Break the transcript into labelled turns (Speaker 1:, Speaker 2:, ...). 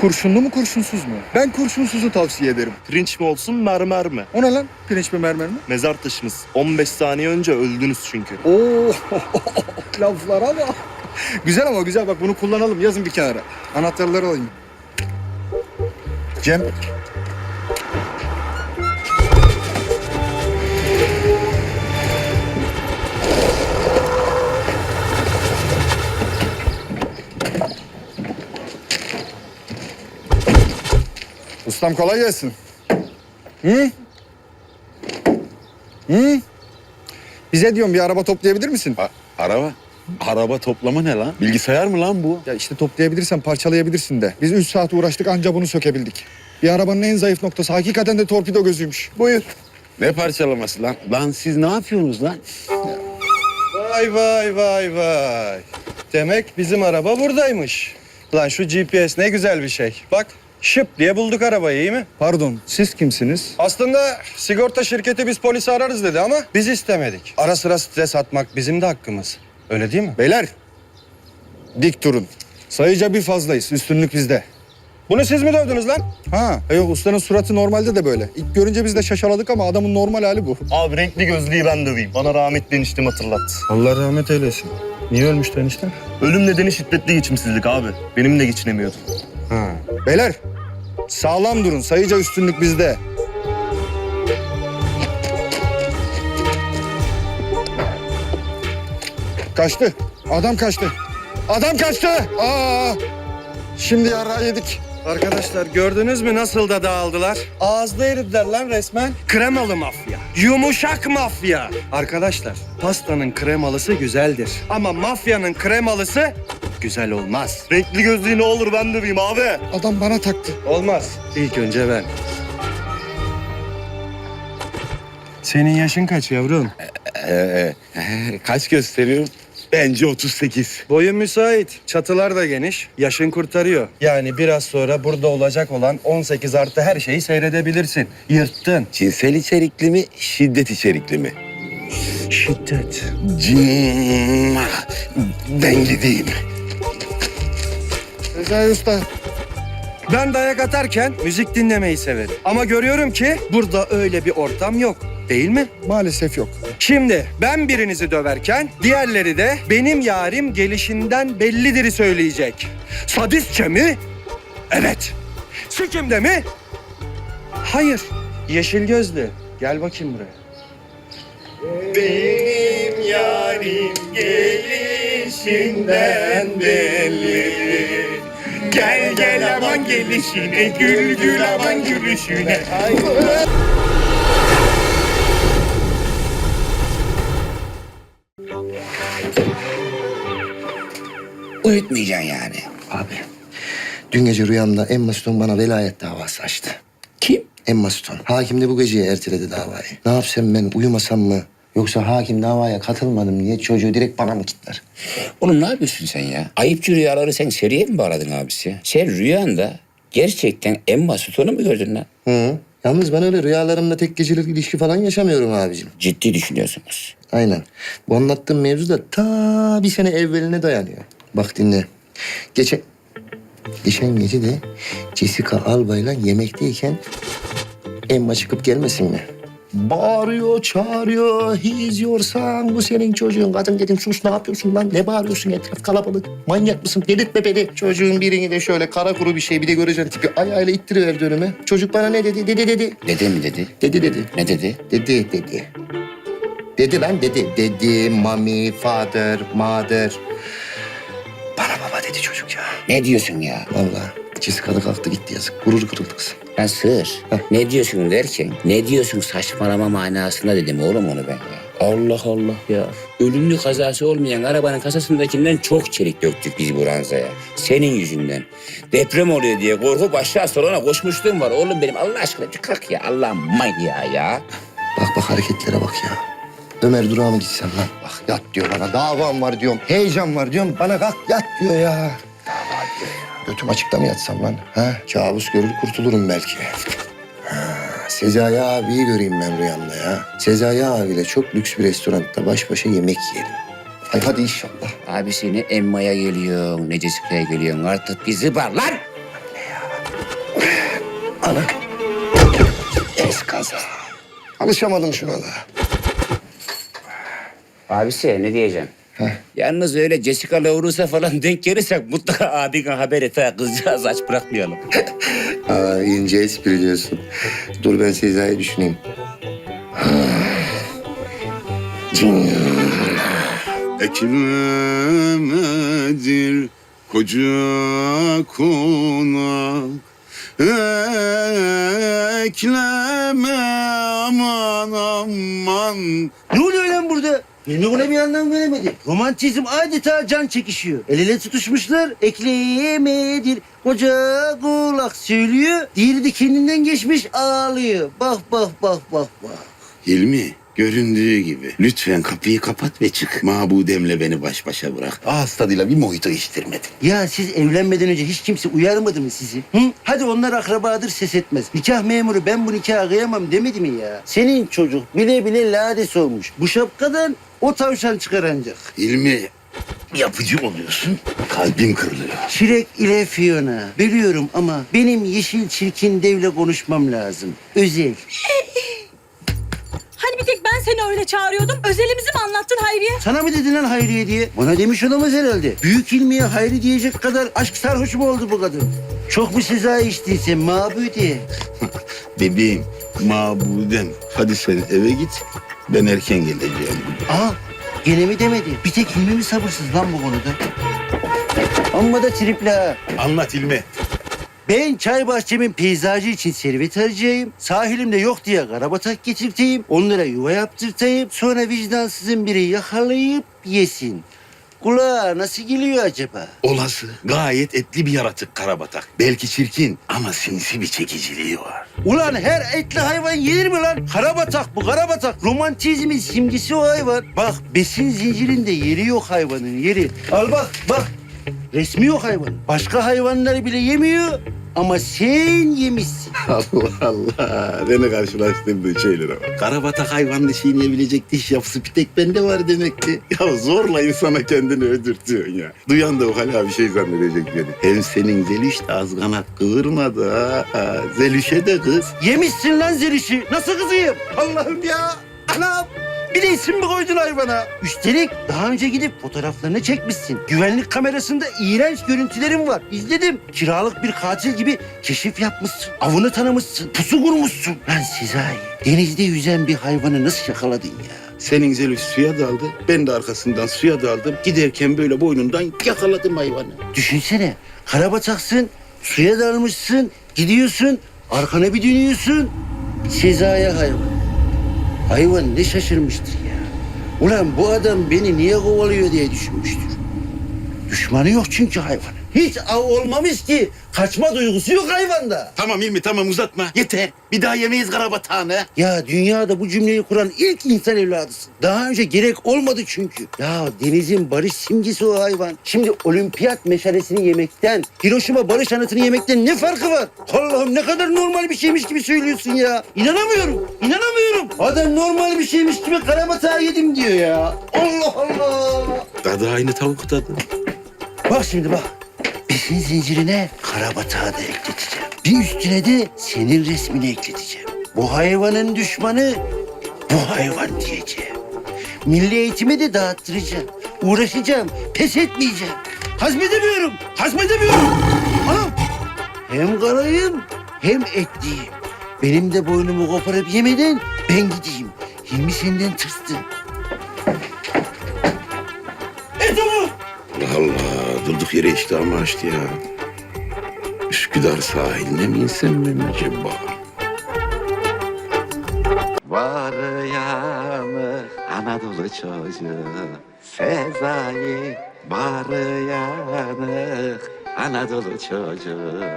Speaker 1: Kurşunlu mu kurşunsuz mu? Ben kurşunsuzu tavsiye ederim.
Speaker 2: Pirinç mi olsun, mermer mi?
Speaker 1: O ne lan? Pirinç mi mermer mi?
Speaker 2: Mezar taşınız. 15 saniye önce öldünüz çünkü.
Speaker 1: Oo, laflara bak. Güzel ama güzel, bak bunu kullanalım, yazın bir kenara. Anahtarları alayım. Cem. Ustam kolay gelsin. Hı? Hı? Bize diyorum bir araba toplayabilir misin?
Speaker 3: Araba? Araba toplama ne lan? Bilgisayar mı lan bu?
Speaker 1: Ya işte toplayabilirsen parçalayabilirsin de. Biz 3 saat uğraştık, anca bunu sökebildik. Bir arabanın en zayıf noktası hakikaten de torpido gözüymüş. Buyur.
Speaker 3: Ne parçalaması lan? Lan siz ne yapıyorsunuz lan?
Speaker 4: Vay vay vay vay. Demek bizim araba buradaymış. Lan şu GPS ne güzel bir şey. Bak şıp diye bulduk arabayı, iyi mi?
Speaker 1: Pardon, siz kimsiniz?
Speaker 4: Aslında sigorta şirketi biz polisi ararız dedi ama biz istemedik. Ara sıra stres atmak bizim de hakkımız. Öyle değil mi?
Speaker 1: Beyler, dik durun. Sayıca bir fazlayız, üstünlük bizde.
Speaker 4: Bunu siz mi dövdünüz lan?
Speaker 1: Ha, yok ustanın suratı normalde de böyle. İlk görünce biz de şaşaladık ama adamın normal hali bu.
Speaker 2: Abi renkli gözlüğü ben döveyim. Bana rahmetli eniştem hatırlattı.
Speaker 4: Allah rahmet eylesin. Niye ölmüştü enişte?
Speaker 2: Ölüm nedeni şiddetli geçimsizlik abi. Benim de geçinemiyordum.
Speaker 4: Ha.
Speaker 1: Beyler, sağlam durun. Sayıca üstünlük bizde. Kaçtı. Adam kaçtı. Adam kaçtı. Aa! Şimdi yara yedik.
Speaker 4: Arkadaşlar gördünüz mü nasıl da dağıldılar? Ağızda eridiler lan resmen. Kremalı mafya. Yumuşak mafya. Arkadaşlar pastanın kremalısı güzeldir. Ama mafyanın kremalısı güzel olmaz.
Speaker 2: Renkli gözlüğü ne olur ben döveyim abi.
Speaker 1: Adam bana taktı.
Speaker 4: Olmaz. İlk önce ben. Senin yaşın kaç yavrum?
Speaker 3: Kaç gösteriyor? Bence 38.
Speaker 4: Boyun müsait. Çatılar da geniş. Yaşın kurtarıyor. Yani biraz sonra burada olacak olan 18 artı her şeyi seyredebilirsin. Yırttın.
Speaker 3: Cinsel içerikli mi, şiddet içerikli mi?
Speaker 4: Şiddet.
Speaker 3: Ben gideyim.
Speaker 1: Recai Usta.
Speaker 4: Ben dayak atarken müzik dinlemeyi severim. Ama görüyorum ki burada öyle bir ortam yok. Değil mi?
Speaker 1: Maalesef yok.
Speaker 4: Şimdi ben birinizi döverken diğerleri de benim yarim gelişinden bellidir'i söyleyecek. Sadistçe mi? Evet. Sikimde mi? Hayır. Yeşil gözlü. Gel bakayım buraya.
Speaker 2: Benim yarim gelişinden belli. Gel gel aman gelişine, gül gül aman gülüşüne.
Speaker 5: Uyutmayacaksın yani.
Speaker 6: Abi, dün gece rüyamda Emma Stone bana velayet davası açtı.
Speaker 5: Kim?
Speaker 6: Emma Stone. Hakim de bu geceye erteledi davayı. Ne yapsam ben, uyumasam mı? Yoksa hakim davaya katılmadım diye çocuğu direkt bana mı kitler?
Speaker 5: Oğlum ne yapıyorsun sen ya? Ayıpçı rüyaları sen seriye mi bağladın abisi? Sen rüyanda gerçekten Emma Stone'u mu gördün lan?
Speaker 6: Hı. Yalnız ben öyle rüyalarımda tek gecelik ilişki falan yaşamıyorum abicim.
Speaker 5: Ciddi düşünüyorsunuz.
Speaker 6: Aynen. Bu anlattığım mevzu da ta bir sene evveline dayanıyor. Bak dinle. Geçen gece de Jessica Alba'yla yemekteyken Emma çıkıp gelmesin mi? Bağırıyor, çağırıyor. He's your son, bu senin çocuğun. Kadın dedim sus, ne yapıyorsun lan? Ne bağırıyorsun, etraf kalabalık. Manyak mısın? Delirtme beni. Çocuğun birini de şöyle kara kuru bir şey, bir de göreceksin tipi. Ayağıyla ittiriverdi önüme. Çocuk bana ne dedi? Dedi.
Speaker 5: Dede mi dedi?
Speaker 6: Dedi.
Speaker 5: Ne dedi?
Speaker 6: Dedi. Dedi lan dedi. Dedi, mommy, father, mother. Bana baba dedi çocuk ya.
Speaker 5: Ne diyorsun ya?
Speaker 6: Vallahi Jessica da kalktı gitti yazık. Gurur kırıldı kızım.
Speaker 5: Lan sığır. Ne diyorsun derken, ne diyorsun saçmalama manasında dedim oğlum onu ben ya. Allah Allah ya. Ölümlü kazası olmayan arabanın kasasındakinden çok çelik döktük biz bu ranzaya. Senin yüzünden. Deprem oluyor diye korkup aşağı salona koşmuşluğum var. Oğlum benim Allah aşkına bir kalk ya. Allah manyağı ya.
Speaker 6: Bak hareketlere bak ya. Ömer Durak'a mı gitsem lan? Bak yat diyor bana. Davam var diyorum. Heyecan var diyorum. Bana kalk yat diyor ya. Dava diyor ya. Götüm açıkta mı yatsam lan? Ha? Kabus görür kurtulurum belki. Sezai abiyi göreyim ben rüyamda ya. Sezai abiyle çok lüks bir restoranda baş başa yemek yiyelim. Ay hadi inşallah.
Speaker 5: Abisi ne Emma'ya geliyorsun, ne Jessica'ya geliyorsun. Artık bizi var lan.
Speaker 6: Ne ya? Ana. Eskaza. Alışamadım şuna da.
Speaker 5: Abisi ne diyeceğim? Yalnız öyle Jessica Lawrence'a falan denk gelirsek mutlaka abine haber et ha. Kızcağız aç bırakmayalım.
Speaker 6: Aa, ince espri diyorsun. Dur ben Sezai'yi düşüneyim.
Speaker 3: Ekmemedir koca konak. Ekleme aman aman.
Speaker 7: Ne oluyor lan burada? Hilmi buna bir anlam veremedi. Romantizm adeta can çekişiyor. El ele tutuşmuşlar. Ekleyemedir. Koca kulak söylüyor. Diğeri de kendinden geçmiş ağlıyor. Bak bak bak bak bak.
Speaker 3: Hilmi, göründüğü gibi. Lütfen kapıyı kapat ve çık. Mabudemle beni baş başa bırak. Ağız tadıyla bir mojito içtirmedin.
Speaker 7: Ya siz evlenmeden önce hiç kimse uyarmadı mı sizi? Hı? Hadi onlar akrabadır ses etmez. Nikah memuru ben bu nikahı kıyamam demedi mi ya? Senin çocuk bile bile lades olmuş. Bu şapkadan o tavşan çıkar ancak.
Speaker 3: Hilmi, yapıcı oluyorsun. Kalbim kırılıyor.
Speaker 7: Şirek ile Fiona. Biliyorum ama benim yeşil çirkin devle konuşmam lazım. Özel.
Speaker 8: Hani bir tek ben seni öyle çağırıyordum. Özelimizi mi anlattın Hayriye?
Speaker 7: Sana mı dedin lan Hayriye diye? Bana demiş olamaz herhalde. Büyük ilmiye Hayri diyecek kadar aşk sarhoşu mu oldu bu kadın? Çok mu Sezai içtiyse mabudi?
Speaker 3: Bebeğim, mabudem. Hadi sen eve git. Ben erken geleceğim.
Speaker 7: Aa, gene mi demedi? Bir tek Hilmi mi sabırsız lan bu konuda? Amma da tripli ha.
Speaker 3: Anlat Hilmi.
Speaker 7: Ben çay bahçemin peyzajı için servet harcayayım. Sahilimde yok diye karabatak getirteyim. Onlara yuva yaptırtayım. Sonra vicdansızın biri yakalayıp yesin. Kulağa nasıl geliyor acaba?
Speaker 3: Olası, gayet etli bir yaratık karabatak. Belki çirkin ama sinsi bir çekiciliği var.
Speaker 7: Ulan her etli hayvan yenir mi lan? Karabatak bu karabatak. Romantizmin simgesi o hayvan. Bak besin zincirinde yeri yok hayvanın yeri. Al bak bak. Resmi yok hayvan. Başka hayvanları bile yemiyor ama sen yemişsin.
Speaker 3: Allah Allah. Beni karşılaştırdığın şeylere bak. Karabatak hayvanını çiğneyebilecek diş yapısı bir tek bende var demek ki. Ya zorla insana kendini öldürtüyorsun ya. Duyan da o hala bir şey zannedecek beni. Hem senin Zeliş de az kanat kıvırmadı ha. Zeliş'e de kız.
Speaker 7: Yemişsin lan zelişi. Nasıl kızıyım? Allah'ım ya. Anam. Bir de isim mi koydun hayvana? Üstelik daha önce gidip fotoğraflarını çekmişsin. Güvenlik kamerasında iğrenç görüntülerim var. İzledim. Kiralık bir katil gibi keşif yapmışsın. Avını tanımışsın. Pusu kurmuşsun. Lan Sezai, denizde yüzen bir hayvanı nasıl yakaladın ya?
Speaker 3: Senin Zeliş suya daldı. Ben de arkasından suya daldım. Giderken böyle boynundan yakaladım hayvanı.
Speaker 7: Düşünsene. Karabataksın, suya dalmışsın, gidiyorsun, arkana bir dönüyorsun. Sezai hayvan. Hayvan ne şaşırmıştır ya. Ulan bu adam beni niye kovalıyor diye düşünmüştür. Düşmanı yok çünkü hayvanın. Hiç av olmamış ki. Kaçma duygusu yok hayvanda.
Speaker 3: Tamam İlmi tamam uzatma. Yeter. Bir daha yemeyiz karabatağını.
Speaker 7: Ya dünyada bu cümleyi kuran ilk insan evladısın. Daha önce gerek olmadı çünkü. Ya denizin barış simgesi o hayvan. Şimdi olimpiyat meşalesini yemekten, Hiroşima barış anıtını yemekten ne farkı var? Allah'ım ne kadar normal bir şeymiş gibi söylüyorsun ya. İnanamıyorum, inanamıyorum. Adam normal bir şeymiş gibi karabatağı yedim diyor ya. Allah Allah.
Speaker 3: Tadı aynı tavuk tadı.
Speaker 7: Bak şimdi bak. Besin zincirine karabatağı da ekleteceğim. Bir üstüne de senin resmini ekleteceğim. Bu hayvanın düşmanı bu hayvan diyeceğim. Milli eğitimi de dağıttıracağım. Uğraşacağım, pes etmeyeceğim. Hazmedemiyorum, hazmedemiyorum. Anam, hem karayım hem etliyim. Benim de boynumu koparıp yemeden ben gideyim. Hilmi senden tırstı. Etomu!
Speaker 3: Allah Allah durduk yere iştahımı açtı ya. Üsküdar sahiline mi insem ben acaba? Var yanı Anadolu çocuğu Sezai. Var yanı Anadolu çocuğu.